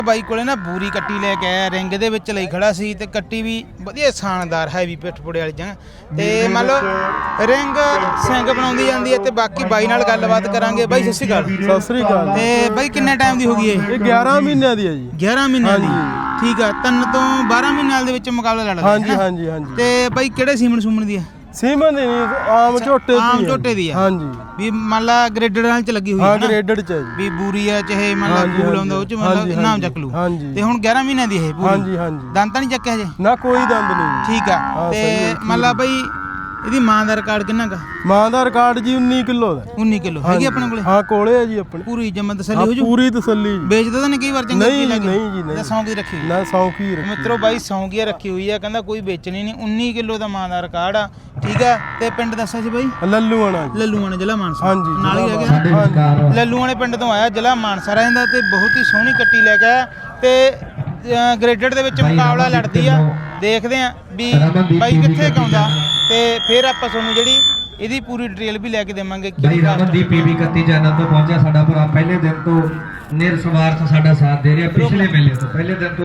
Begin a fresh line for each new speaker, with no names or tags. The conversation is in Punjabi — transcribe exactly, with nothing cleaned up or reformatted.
ਬਾਈ ਕੋਲੇ ਨਾ ਬੂਰੀ ਕੱਟੀ ਲੈ ਕੇ ਆਇਆ ਰਿੰਗ ਦੇ ਵਿੱਚ ਲਈ ਖੜਾ ਸੀ ਤੇ ਕੱਟੀ ਵੀ ਵਧੀਆ ਸ਼ਾਨਦਾਰ ਹੈਵੀ ਪਿੱਠਪੁੜੇ ਵਾਲੀ ਜਗ੍ਹਾ ਤੇ ਮੰਨ ਲਓ ਰਿੰਗ ਸਿੰਘ ਬਣਾਉਂਦੀ ਜਾਂਦੀ ਹੈ ਤੇ ਬਾਕੀ ਬਾਈ ਨਾਲ ਗੱਲਬਾਤ ਕਰਾਂਗੇ। ਬਾਈ ਸਤਿ ਸ਼੍ਰੀ ਅਕਾਲ।
ਸਤਿ ਸ੍ਰੀ ਅਕਾਲ।
ਤੇ ਬਾਈ ਕਿੰਨੇ ਟਾਈਮ ਦੀ ਹੋ ਗਈ ਇਹ?
ਇਹ ਗਿਆਰਾਂ ਮਹੀਨਿਆਂ ਦੀ ਹੈ ਜੀ।
ਗਿਆਰਾਂ ਮਹੀਨਿਆਂ ਦੀ, ਠੀਕ ਆ। ਤਿੰਨ ਤੋਂ ਬਾਰਾਂ ਮਹੀਨਿਆਂ ਦੇ ਵਿੱਚ ਮੁਕਾਬਲਾ ਲੜਦਾ
ਹਾਂਜੀ ਹਾਂਜੀ ਹਾਂਜੀ।
ਤੇ ਬਾਈ ਕਿਹੜੇ ਸੀਮਨ ਸੂਮਨ ਦੀ ਹੈ?
ਸੀਮਨ ਦੀ ਆਮ ਝੋਟੇ ਦੀ
ਆਮ ਝੋਟੇ ਦੀ ਆ ਹਾਂਜੀ। ਵੀ ਮੰਨ ਲਾ ਗ੍ਰੇਡਡ ਨਾਲ ਚ ਲੱਗੀ ਹੋਈ ਹੈ
ਹਾਂ ਗ੍ਰੇਡਡ ਚ ਹੈ ਜੀ।
ਵੀ ਬੂਰੀ ਆ ਚਾਹੇ ਮੰਨ ਲਾ ਫੂਲ ਆਉਂਦਾ ਉਹ ਚ ਮੰਨ ਲਾ ਨਾਮ ਚੱਕ ਲੂ। ਤੇ ਹੁਣ ਗਿਆਰਾਂ ਮਹੀਨਿਆਂ ਦੀ ਇਹ ਪੂਰੀ? ਹਾਂਜੀ ਹਾਂਜੀ। ਦੰਦ ਤਾਂ ਨਹੀਂ ਚੱਕਿਆ ਹਜੇ?
ਨਾ ਕੋਈ ਦੰਦ ਨਹੀਂ।
ਠੀਕ ਆ। ਤੇ ਮੰਨ ਲਾ ਬਾਈ ਇਹਦੀ ਮਾਂ ਦਾ ਰਿਕਾਰਡ ਕਿੰਨਾ ਗਾ?
ਮਾਂ ਦਾ ਰਿਕਾਰਡ ਜੀ ਉੱਨੀ ਕਿਲੋ ਦਾ।
ਉੱਨੀ ਕਿਲੋ ਹੈਗੀ ਆਪਣੇ ਕੋਲੇ?
ਹਾਂ ਕੋਲੇ ਹੈ ਜੀ ਆਪਣੇ।
ਪੂਰੀ ਜਮਨ ਤਸੱਲੀ ਹੋ ਜੂ?
ਪੂਰੀ ਤਸੱਲੀ।
ਵੇਚਦਾ ਤਾਂ ਨਹੀਂ ਕਈ ਵਾਰ ਚੰਗਾ?
ਨਹੀਂ ਜੀ ਨਹੀਂ ਜੀ ਨਹੀਂ।
ਸੌਂਕੀ ਰੱਖੀ
ਨਾ ਸੌਂਕੀ ਰੱਖੀ
ਮਿੱਤਰੋ ਬਾਈ ਸੌਂਕੀ ਰੱਖੀ ਹੋਈ ਆ, ਕਹਿੰਦਾ ਕੋਈ ਵੇਚਣੀ ਨਹੀਂ। ਉੱਨੀ ਕਿਲੋ ਦਾ ਮਾਂ ਦਾ ਰਿਕਾਰਡ ਆ, ਠੀਕ ਆ। ਤੇ ਪਿੰਡ ਦੱਸਿਆ ਸੀ ਬਾਈ?
ਲੱਲੂਆਣਾ ਜੀ।
ਲੱਲੂਆਣਾ ਜ਼ਿਲ੍ਹਾ ਮਾਨਸਾ
ਹਾਂਜੀ
ਨਾਲ ਹੀ ਆ ਗਿਆ। ਲੱਲੂਆਣੇ ਪਿੰਡ ਤੋਂ ਆਇਆ, ਜ਼ਿਲ੍ਹਾ ਮਾਨਸਾ ਰਹਿੰਦਾ ਤੇ ਬਹੁਤ ਹੀ ਸੋਹਣੀ ਕੱਟੀ ਲੈ ਕੇ ਆਇਆ ਤੇ ਗ੍ਰੇਡਡ ਦੇ ਵਿੱਚ ਮੁਕਾਬਲਾ ਲੜਦੀ ਆ। ਦੇਖਦੇ ਆ ਵੀ ਬਾਈ ਕਿੱਥੇ ਕਾਉਂਦਾ ਤੇ ਫਿਰ ਆਪਾਂ ਤੁਹਾਨੂੰ ਜਿਹੜੀ ਇਹਦੀ ਪੂਰੀ ਡਿਟੇਲ ਵੀ ਲੈ ਕੇ ਦੇਵਾਂਗੇ।
ਬਾਈ ਰਮਨਦੀਪ ਪੀਵੀ ਇਕੱਤੀ ਚੈਨਲ ਤੋਂ ਪਹੁੰਚਿਆ ਸਾਡਾ ਭਰਾ, ਪਹਿਲੇ ਦਿਨ ਤੋਂ ਨਿਰਸਵਾਰਥ ਸਾਡਾ ਸਾਥ ਦੇ ਰਿਹਾ, ਪਿਛਲੇ ਮੇਲੇ ਤੋਂ ਪਹਿਲੇ ਦਿਨ ਤੋਂ